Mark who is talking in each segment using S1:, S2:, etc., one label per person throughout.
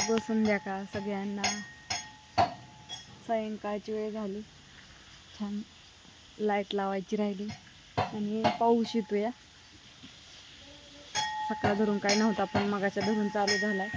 S1: शुभ संध्याकाळ सगळ्यांना. सायंकाळची वेळ झाली, छान लाईट लावायची राहिली आणि पाऊस येतोय. सकाळ धरून काय नव्हता पण मगाच्या धरून चालू झालाय.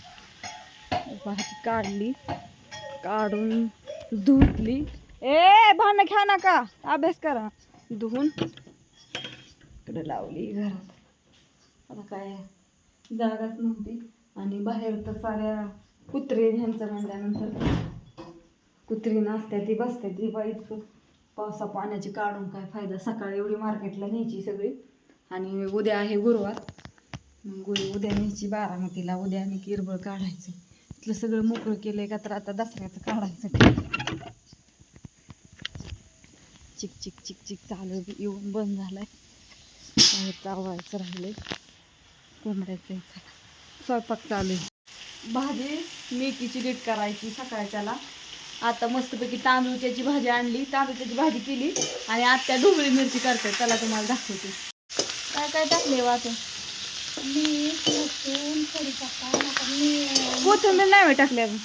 S1: भाजी काढली, काढून धुतली. भांडण घ्या नका, अभ्यास करा. धुवून इकडे लावली घरात. आता काय जागाच नव्हती आणि बाहेर तर साऱ्या कुत्रे ह्यांचं म्हणल्यानंतर कुत्री नाचत्या ती बसते ती बाईच. पावसा पाण्याची काढून काय फायदा. सकाळी एवढी मार्केटला न्यायची सगळी आणि उद्या आहे गुरुवार, मग उद्या न्यायची बारामतीला. उद्या आणि किरबळ काढायचं. इथलं सगळं मोकळं केलंय का तर आता दसऱ्याचं काढायचं. चिक चिक चिक चिक चालू येऊन बंद झालाय. बाहेर चावायचं राहिलंय. कोंबड्याचं स्वयंपाक चालू आहे. भाजी मेथीची नीट करायची सकाळच्याला. आता मस्तपैकी तांदूळच्याची भाजी आणली, तांदूळच्याची भाजी केली आणि आत्या ढोबळी मिरची करते. त्याला तुम्हाला दाखवते काय काय टाकले वाटून. कोथिंबीर नाही टाकले अजून.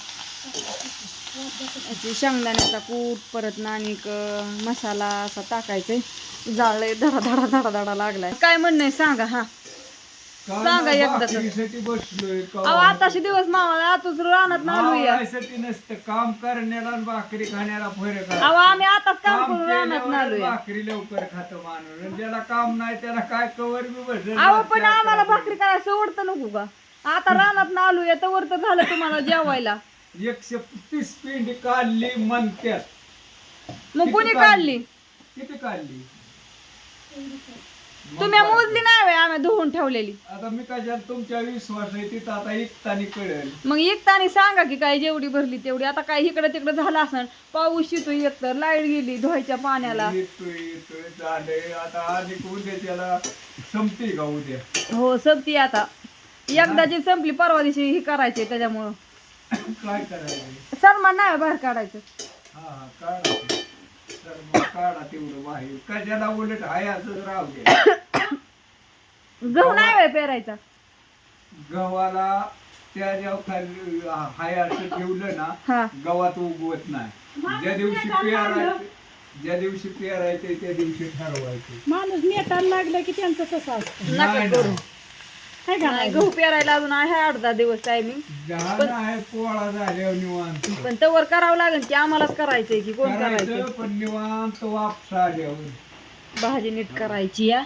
S1: शेंगदाण्याचा कूट, परत नानिक मसाला असा टाकायचंय. जाळले धडा धडा धडा धडा लागलाय. काय म्हणणं सांगा. हा सांगा एकदा. आताशी दिवस मावा आताच रानात नालूया
S2: नसतं काम करण्याला भाकरी खाण्याला फरक आहे.
S1: आम्ही आताच काम करून रानात नालूया.
S2: भाकरी लवकर खातो माणूस, ज्याला काम नाही त्याला काय कवर बी बसेल.
S1: पण आम्हाला भाकरी करायचं सोडतं नको का. आता रानात नालूया तर तर झालं तुम्हाला जेवायला.
S2: 130 पिंडी काढली म्हणत्यात.
S1: मग कोणी काढली?
S2: किती काढली
S1: तुम्ही मोजली नाही व्हय? आम्ही धुवून ठेवलेली.
S2: आता मी काय तुमच्या विश्वास आहे तिथं आता एकतानी कळेल. मग
S1: एकतानी सांगा की काय जेवढी भरली तेवढी. आता काय इकडे तिकडे झालं असं. पाऊस येतोय एकतर, लाईट गेली धुवायच्या पाण्याला.
S2: येतोय झालंय आता. आणि उद्या त्याला संपते का उद्या?
S1: हो संपती. आता एकदाची संपली, परवा दिवशी ही करायची. त्याच्यामुळं
S2: काय करायचं?
S1: सन्मान नाही बाहेर काढायचं.
S2: हा काढा, तर मग काढा तेवढं बाहेर. कशाला उलट हाय असंच राहू दे.
S1: गहू नाही व्हय पेरायचा.
S2: गव्हाला त्या जेव्हा खाली हाय असं ठेवलं ना, गव्हात उगवत नाही. ज्या दिवशी पेरायचं त्या दिवशी ठरवायचं.
S3: माणूस नेटायला लागलं की त्यांचं कसं असतं.
S1: नका करू. गहू पेरायला अजून आहे 8-10 दिवस टायमिंग.
S2: पोळा झाल्यावर निवांत.
S1: पण तवर करावं लागेल की आम्हालाच करायचंय की कोण करायचं.
S2: पण निवांत वापस आल्यावर
S1: भाजी नीट करायची. या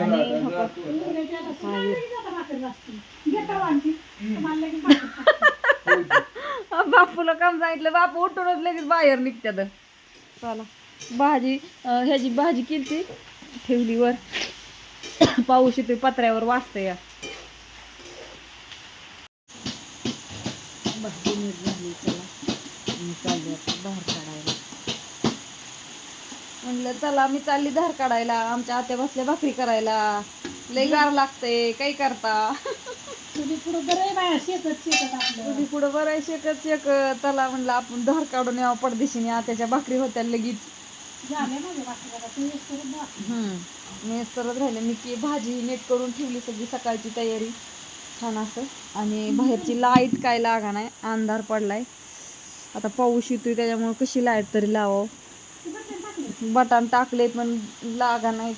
S1: बापूला काम सांगितलं, बापू उठूनच लगेच बाहेर निघत्यात. चला भाजी ह्याची भाजी केली ठेवली वर. पाऊस येतोय पत्र्यावर वाजतंय. या भाजी नीट झाली. चला मी चालली आता धार काढायला. म्हणलं चला मी चालली धार काढायला. आमच्या आत्या बसल्या भाकरी करायला. लय गार लागतंय. काय करता.
S3: तुझी पुढं बरं आहे बाया, शेकत आपलं.
S1: तुझी पुढं बरं आहे शेकत शेकत. चला म्हणलं आपण धार काढून यावं पडदेशीने. आत्याच्या भाकरी होत्या लगेच. मेस करत राहिले मी की भाजी नीट करून ठेवली सगळी. सकाळची तयारी छान असं. आणि बाहेरची लाईट काय लागा नाही, अंधार पडलाय. आता पाऊस येतोय त्याच्यामुळे कशी लाईट तरी लावावं. बटन टाकले पण लागा नाहीच.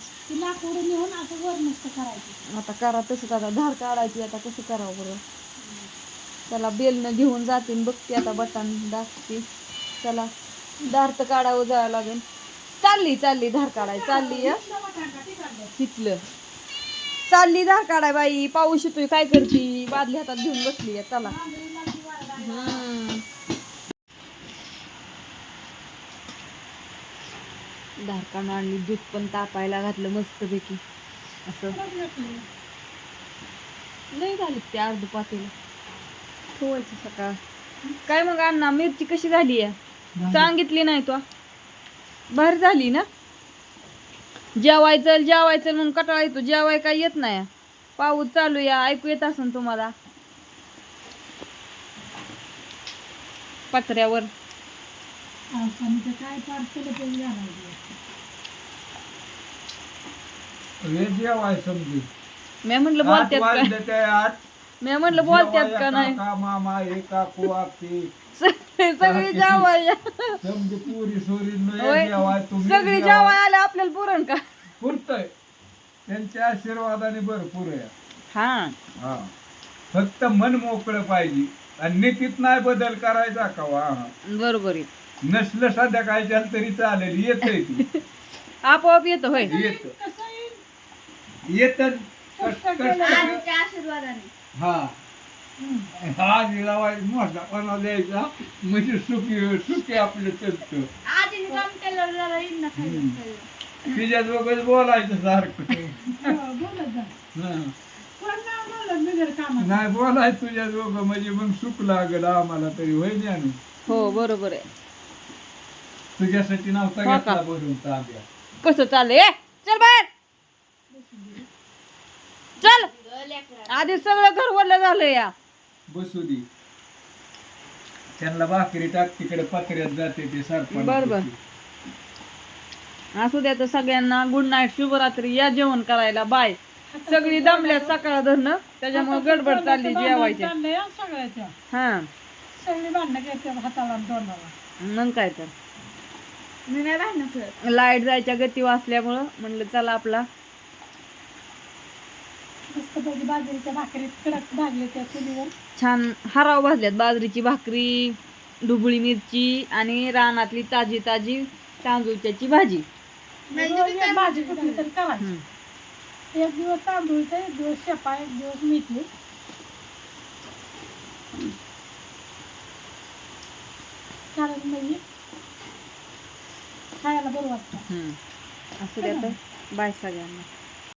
S1: आता करा तसंच. आता धार काढायची. आता कसं करावं बरं. चला बेलनं घेऊन जाते बघते आता. बटन दाखते. चला धार तर काढावं जावं लागेल. चालली धार काढाय. चालली तिथलं चालली धार काढाय. बाई पाऊस येतोय काय करती. बादली हातात घेऊन बसली. चला धार काढून आणली. दूध पण तापायला घातलं मस्तपैकी असं. लय झाली ते अर्ध पातेलं ठेवायचं सकाळ. काय मग अण्णा मिरची कशी झाली आहे? सांगितली नाही तू. बाहेर झाली ना. जेवायचं म्हणून कटाळा येतो. जेवाय काय येत नाही. पाऊस चालू या ऐकू येत असेल तुम्हाला पत्र्यावर. मी म्हणलं बोलते मी म्हणलं बोलत्यात का नाही.
S2: काका मामा हे काकू आखी
S1: सगळी जेवाय
S2: समजे पुरी सोरी
S1: होय.
S2: जेवाय तुम्ही
S1: सगळी जेवाय आले आपल्याला पुरण का.
S2: पुरतय त्यांच्या आशीर्वादाने भरपूर आहे.
S1: हा
S2: हा फक्त मन मोकळं पाहिजे आणि नीतीत नाही बदल करायचा का वा.
S1: बरोबर आहे.
S2: नसलं संध्याकाळच्या तरी चालेल येतंय ती
S1: आपोआप येतो होय.
S2: येत
S3: कसं येईल
S2: येत
S4: आशीर्वादाने
S2: हा हा निरावाय मोठा द्यायचा म्हणजे सुखी सुखी आपलं चलतं.
S4: आजीने काम केलं जरा येईल ना खायला.
S2: तिच्या दोघं बोलायचं सारखं
S3: बोलत जा
S2: हं.
S3: कोण नाव बोलत बिगर कामात.
S2: नाही बोलायचं तुझ्या दोघं म्हणजे मग सुख लागलं आम्हाला तरी होय ज्ञानू.
S1: हो बरोबर आहे.
S2: तुझ्यासाठी नव्हता
S1: हो का?
S2: घेतला भरून तांब्या.
S1: कसं चाललंय चल बाहेर चल. आधी सगळं घर वरलं झालं या.
S2: बसू दे त्यांना भाकरी टाक तिकडे पत्र्यात जाते ते सरपण.
S1: बरोबर. असू द्या तर सगळ्यांना गुड नाईट शुभरात्री. या जेवण करायला बाय. सगळी दमल्या सकाळ धरणं त्याच्यामुळे गडबड चालली जेवायच्या.
S3: चाललंय हं सगळ्याच्या.
S1: हा
S3: सगळी भांडणं घेते हाताला आणि तोंडाला.
S1: मग काय तर
S4: मी नाही भांडण करत.
S1: लाईट जायच्या गती वाचल्यामुळं म्हणलं चला आपला
S3: मस्तपैकी बाजरीच्या भाकरीत कडक भाजले त्या चुलीवर.
S1: छान हराव भाजल्यात. बाजरीची भाकरी, ढुबळी मिरची आणि रानातली ताजी ताजी तांदूळच्याची भाजी.
S3: रोज एक भाजी कुठली तरी करायची.
S1: हम्म.
S3: एक दिवस तांदूळचा, एक दिवस शेपा, एक दिवस मेथी. कारण म्हणजे खायला बरं वाटतं.
S1: असू द्या तर बाय सगळ्यांना.